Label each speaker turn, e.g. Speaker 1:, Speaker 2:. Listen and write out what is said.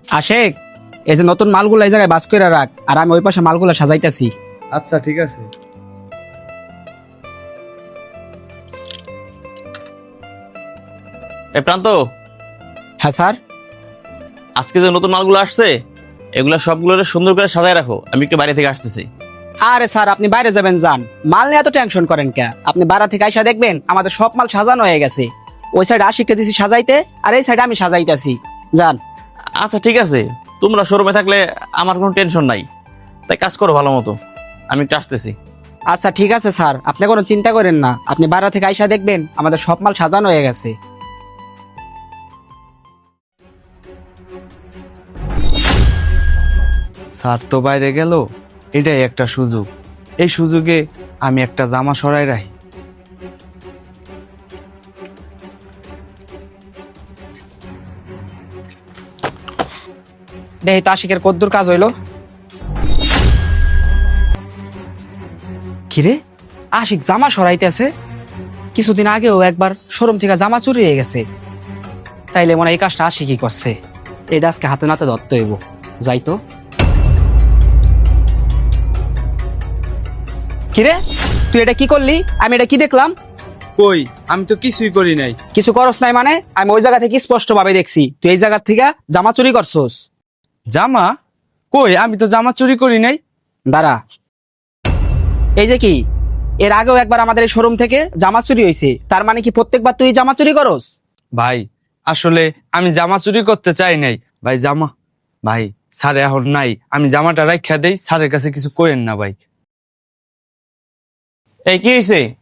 Speaker 1: আশেক, এই যে নতুন মালগুলো এই জায়গায় বাস করে রাখ, আর আমি ওই পাশে মালগুলো সাজাইতেছি।
Speaker 2: আচ্ছা ঠিক আছে।
Speaker 3: এই প্রান্ত,
Speaker 1: হ্যাঁ স্যার।
Speaker 3: আজকে যে নতুন মালগুলো আসছে এগুলা সবগুলো সুন্দর করে সাজায় রাখো, আমি একটু বাইরে থেকে আসতেছি।
Speaker 1: আরে স্যার, আপনি বাইরে যাবেন যান, মাল নিয়ে এত টেনশন করেন কে? আপনি বাড়া থেকে আইসা দেখবেন আমাদের সব মাল সাজানো হয়ে গেছে। ওই সাইডে আশিককে দিছি সাজাইতে, আর এই সাইডে আমি সাজাইতেছি। যান।
Speaker 3: আচ্ছা ঠিক আছে, তোমরা শোরুমে থাকলে আমার কোনো টেনশন নাই, তাই কাজ করো ভালো মতো, আমি একটু আসতেছি।
Speaker 1: আচ্ছা ঠিক আছে স্যার, আপনি কোনো চিন্তা করেন না, আপনি বাড়া থেকে আইসা দেখবেন আমাদের সব মাল সাজানো হয়ে গেছে।
Speaker 2: স্যার তো বাইরে গেল, এটাই একটা সুযোগ। এই সুযোগে আমি একটা জামা সরাই রাখি।
Speaker 1: দেখি তো আশিকের কদ্দুর কাজ হইলো। কিরে, আশিক জামা সরাইতেছে? কিছুদিন আগেও একবার শোরুম থেকে জামা চুরি হয়ে গেছে। তাইলে মনে হয় এই কাজটা আশিকই করছে। এটা আজকে হাতে নাতে ধরতে হইব। যাই তো। কিরে, তুই এটা কি করলি? আমি এটা কি দেখলাম?
Speaker 2: কই, আমি তো কিছুই করি নাই।
Speaker 1: কিছু করস নাই মানে? আমি ওই জায়গা থেকে স্পষ্ট ভাবে দেখছি তুই এই জায়গা থেকে জামা চুরি করছস।
Speaker 2: জামা? কই, আমি তো জামা চুরি করি নাই।
Speaker 1: দাঁড়া, এই যে কি, এর আগেও একবার আমাদের এই শোরুম থেকে জামা চুরি হয়েছে, তার মানে কি প্রত্যেকবার তুই জামা চুরি করস?
Speaker 2: ভাই আসলে আমি জামা চুরি করতে চাই নাই। ভাই জামা, ভাই স্যার এখন নাই, আমি জামাটা রাখা দেই, স্যারের কাছে কিছু কইেন না ভাই।
Speaker 3: এই কি হয়েছে?